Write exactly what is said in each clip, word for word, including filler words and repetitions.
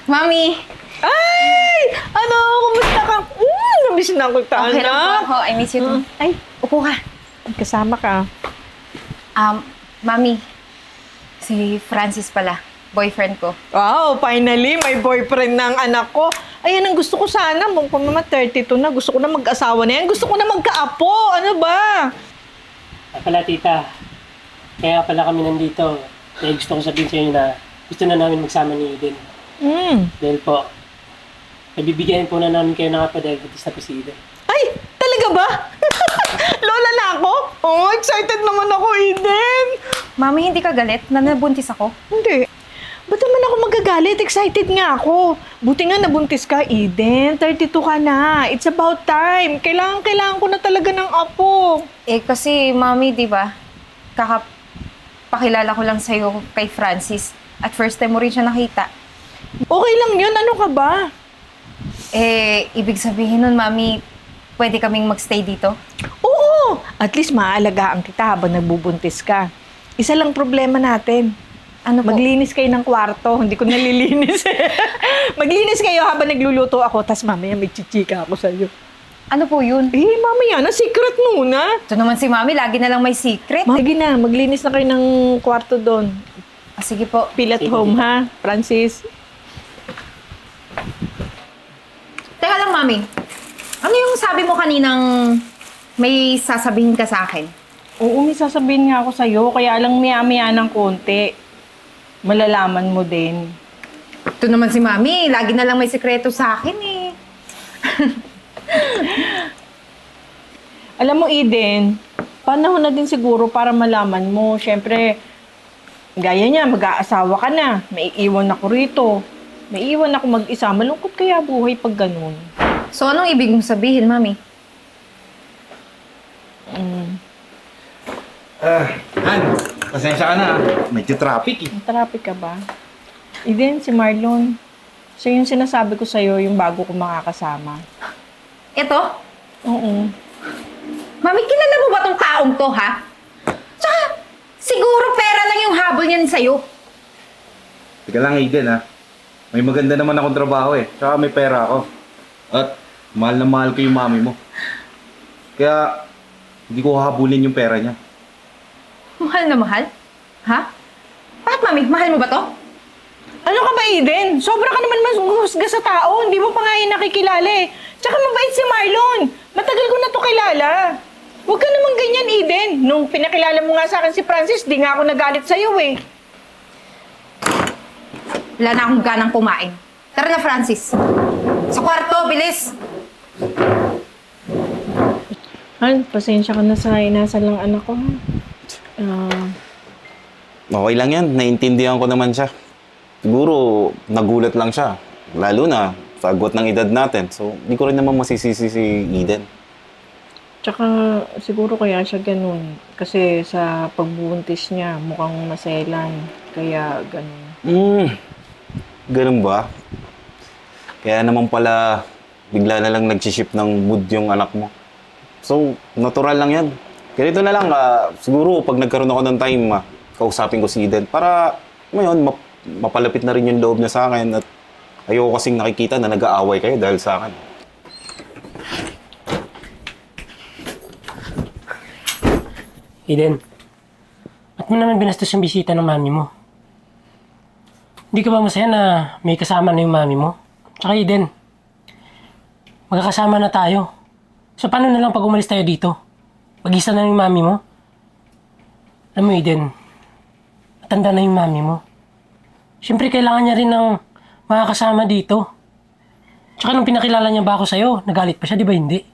Mami! Ay! Ano? Kumusta ka? Mm, namiss na ako ta, Okay lang po anak. ako. I miss you too. Ay, upo ka. Kasama ka. Um, Mami, si Francis pala. Boyfriend ko. Wow, finally, may boyfriend ng anak ko. Ayan ang gusto ko sana. Mong mama thirty-two na. Gusto ko na mag-asawa na yan. Gusto ko na magkaapo. Ano ba? Ah, pala tita, kaya pala kami nandito. Kaya gusto ko sabihin sa inyo na gusto na namin magsama ni Eden. Hmm. Dahil po, nabibigyan po na namin kayo ng kapadiabetes na po si Eden. Ay, talaga ba? Lola na ako? Oh, excited naman ako, Eden. Mami, hindi ka galit na nabuntis ako? Hindi. Ba't naman ako magagalit? Excited nga ako. Buti nga nabuntis ka, Eden. thirty-two ka na. It's about time. Kailangan, kailangan ko na talaga ng apo. Eh, kasi Mami, di ba? Kakapakilala ko lang sa'yo kay Francis. At first time mo rin siya nakita. Okay lang yun. Ano ka ba? Eh, ibig sabihin nun, Mami, pwede kaming magstay dito? Oo. At least maaalagaan kita habang nagbubuntis ka. Isa lang problema natin. Ano po? Maglinis kayo ng kwarto. Hindi ko nalilinis eh. Maglinis kayo habang nagluluto ako. Tapos mamaya may chichika ako sa'yo. Ano po yun? Eh, mamaya na. Secret muna. Ito naman si Mami, lagi na lang may secret. Sige na. Maglinis na kayo ng kwarto doon. Ah, sige po. Feel at Sige, home, sige. ha? Francis? Teka lang, Mami. Ano yung sabi mo kaninang may sasabihin ka sa akin? Oo, may sasabihin nga ako sa'yo. Kaya lang maya-maya ng konti. Malalaman mo din. Ito naman si Mami, lagi na lang may sekreto sa akin eh. Alam mo, Eden, panahon na din siguro para malaman mo. Siyempre, gaya niya, mag-aasawa ka na. May iwan ako rito. May iwan ako mag-isa. Malungkot kaya buhay pag ganun. So anong ibig mong sabihin, Mami? Mm. Ah, Han, pasensya ka na. Medyo traffic eh. May traffic ka ba? Eden, si Marlon. Siya yung sinasabi ko sa'yo, yung bago ko makakasama. Ito? Oo. Mami, kilala mo ba tong taong to, ha? Tsaka, siguro pera lang yung habol niyan sa'yo. Teka lang, Eden ha. May maganda naman akong trabaho eh. Tsaka may pera ako. At mahal na mahal ko yung mami mo. Kaya hindi ko hahabulin yung pera niya. Mahal na mahal? Ha? Bakit, Mami? Mahal mo ba to? Ano ka ba, Eden? Sobra ka naman maghusga sa tao. Hindi mo pa nga yung nakikilala eh. Tsaka mabait si Marlon. Matagal ko na to kilala. Huwag ka naman ganyan, Eden. Nung pinakilala mo nga sa akin si Francis, di nga ako nagalit sa'yo eh. Wala na akong ganang kumain. Tara na, Francis. Sa kwarto, bilis! Han, pasensya ka na sa inasal ng anak ko. Ah, Okay lang yan. Naiintindihan ko naman siya. Siguro, nagulat lang siya. Lalo na sa agwat ng edad natin. So, hindi ko rin naman masisisi si Eden. tsaka siguro kaya siya ganun. Kasi sa pagbubuntis niya, mukhang maselan. Kaya ganun. Hmm, ganun ba? Kaya naman pala, bigla na lang nag-ship ng mood yung anak mo. So, natural lang yan. Ganito na lang, ah, siguro pag nagkaroon ako ng time, ah, kausapin ko si Eden para, ngayon, map- mapalapit na rin yung loob niya sa akin at ayoko kasing nakikita na nag-aaway kayo dahil sa akin. Eden, ba't mo naman binastos yung bisita ng mami mo? Hindi ka ba masaya na may kasama na yung mami mo? Tsaka Eden, magkakasama na tayo. So paano na lang pag umalis tayo dito? Pag-isa na yung mami mo? Alam mo Eden, matanda na yung mami mo. Siyempre kailangan niya rin ng makakasama dito. Tsaka nung pinakilala niya ba ako sa'yo, nagalit pa siya, di ba hindi?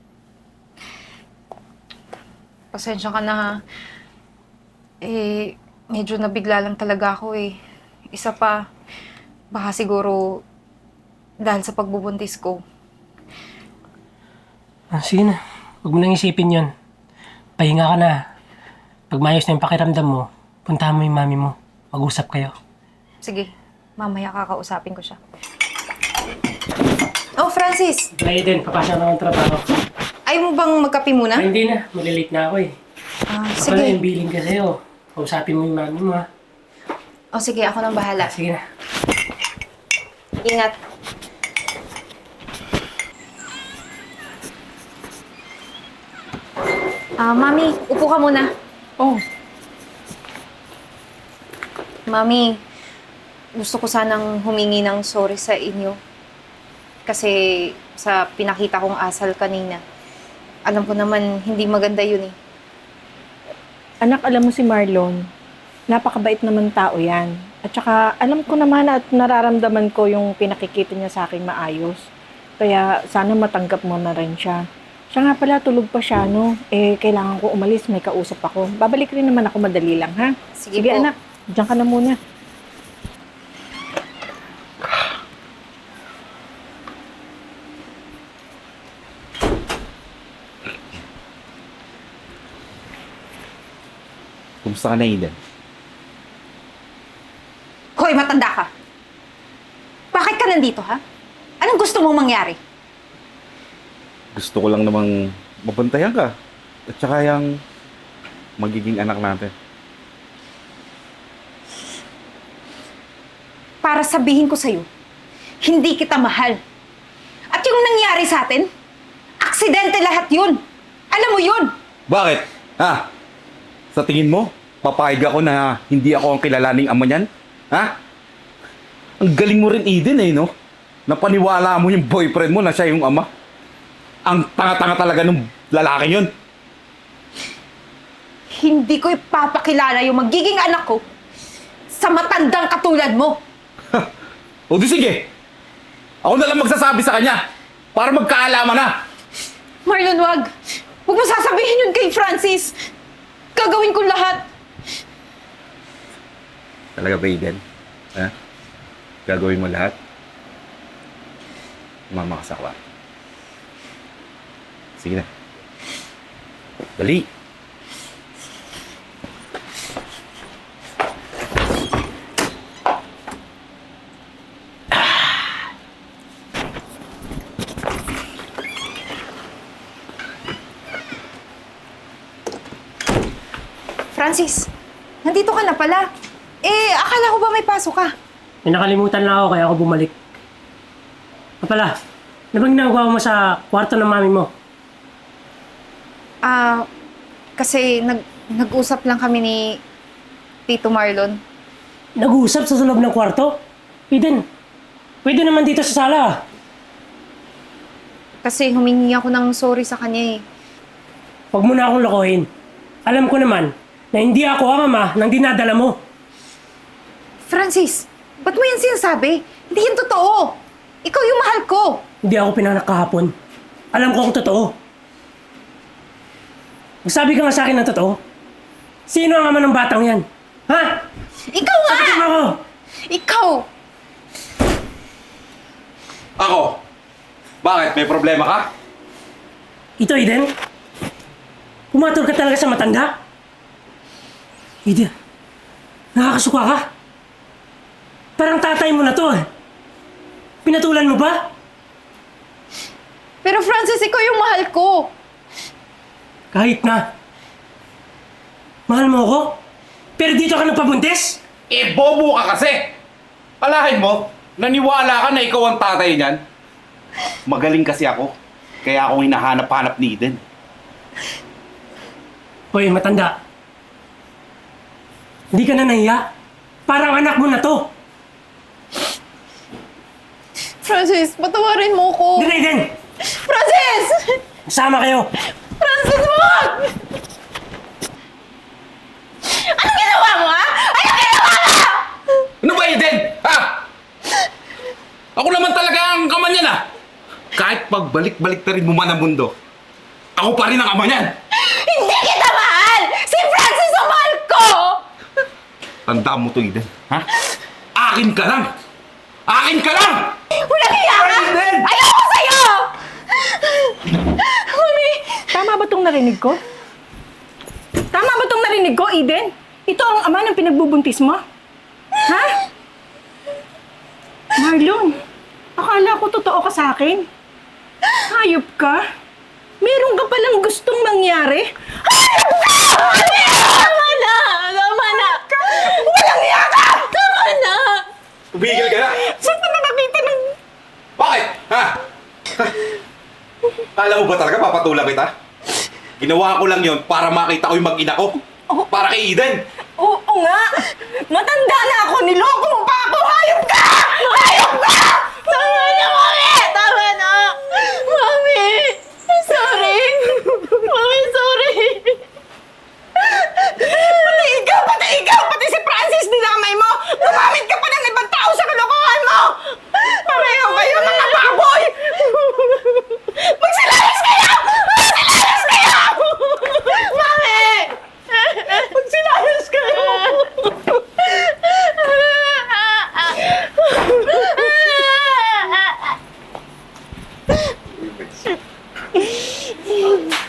Pasensya ka na, ha? Eh, medyo nabigla lang talaga ako eh. Isa pa, baka siguro dahil sa pagbubuntis ko. Ah, sige na, huwag mo nang isipin yun. Pahinga ka na. Pag maayos na yung pakiramdam mo, puntahan mo yung mami mo. Mag-usap kayo. Sige, mamaya kakausapin ko siya. Oh, Francis! Aiden, papasya na akong trabaho. Ayaw mo bang magkape muna? Ay, hindi na. Malilate na ako eh. Ah, Ako na sige. yung billing ka sa'yo. Kausapin mo yung mami mo ha. Oh, sige, ako nang bahala. Sige na. Ingat. Ah, Mami, upo ka muna. Oh, Mami, gusto ko sanang humingi ng sorry sa inyo. Kasi sa pinakita kong asal kanina, alam ko naman hindi maganda yun eh. anak, alam mo si Marlon, napakabait naman tao yan. At saka, alam ko naman at nararamdaman ko yung pinakikita niya sa akin maayos. Kaya, sana matanggap mo na rin siya. Siya nga pala, tulog pa siya, no? Eh, kailangan ko umalis, may kausap ako. Babalik rin naman ako madali lang, ha? Sige Sige po. anak, diyan ka na muna. Kumusta ka na, Eden? Hoy, matanda ka! Bakit ka nandito, ha? Anong gusto mong mangyari? Gusto ko lang namang mabantayan ka. At saka yung magiging anak natin. Para sabihin ko sa'yo, hindi kita mahal. At yung nangyari sa atin, aksidente lahat yun. Alam mo yun. Bakit? Ha? Sa tingin mo, papayag ako na hindi ako ang kilalaning ama niyan? Ha? Ang galing mo rin, Eden, eh, no? Napaniwala mo yung boyfriend mo na siya yung ama. Ang tanga-tanga talaga ng lalaki yun. Hindi ko ipapakilala yung magiging anak ko sa matandang katulad mo. O di sige. Ako na lang magsasabi sa kanya para magkaalaman na. Marlon, wag. Huwag mo sasabihin yun kay Francis. Gagawin ko lahat. Talaga ba, Eden? Ha? Gagawin mo lahat? Mama ka sa kwarto. Sige na. Dali. Francis, nandito ka na pala. Eh, akala ko ba may pasok ka? May nakalimutan lang ako kaya ako bumalik. Ah pala, ano bang ginagawa mo sa kwarto ng mami mo? Ah, kasi nag nag-usap lang kami ni Tito Marlon. Nag-uusap sa loob ng kwarto? Eden, pwede naman dito sa sala. Kasi humingi ako ng sorry sa kanya eh. Huwag mo na akong lokohin. Alam ko naman na hindi ako ang ama ng dinadala mo. Francis, ba't mo yan sinasabi? Hindi yan totoo. Ikaw yung mahal ko. Hindi ako pinanganak kahapon. Alam ko kung totoo. Magsabi ka nga sa akin ng totoo. Sino ang ama ng batang yan? Ha? Ikaw nga! Sabihin mo ako! Ikaw! Ako? Bakit? May problema ka? Ito, Eden? Pumatol ka talaga sa matanda? Eden, nakakasuka ka? Parang tatay mo na to eh. Pinatulan mo ba? Pero Francis, ikaw yung mahal ko. Kahit na. Mahal mo ako? Pero dito ka nagpabuntis? Eh, bobo ka kasi! Alahin mo, naniwala ka na ikaw ang tatay niyan. Magaling kasi ako. Kaya ako hinahanap-hanap ni Eden. Hoy, matanda. Hindi ka na nahiya? Parang anak mo na to. Francis, patawarin mo ko. Dire, Eden! Francis! Sama kayo! Francis, wag! Anong ginawa mo, ha? Anong ginawa mo? Ano ba, Eden? Ha? Ako naman talaga ang ama niyan, ah! Kahit pagbalik-balik na rin mo man ang mundo, ako pa rin ang ama niyan! Hindi kita mahal! Si Francis ang mahal ko! Tandaan mo to, Eden. Ha? Akin ka lang! Akin ka lang! Walang hiya ka! Eden! Ayoko sa'yo! Mami! Tama ba tong narinig ko? Tama ba tong narinig ko, Eden? Ito ang ama ng pinagbubuntis mo? Ha? Marlon, akala ko totoo ka sa akin. Hayop ka? Meron ka palang gustong mangyari? Hayop ka! Tama na! Tama na! Walang hiya ka! Tama na! Tumigil ka na! Saan ka na nakita ng... Bakit? Ha? Kala mo ba talaga papatulang kita? Ginawa ko lang yon para makita ko yung mag-ina ko. Para kay Eden. Oo nga! Mata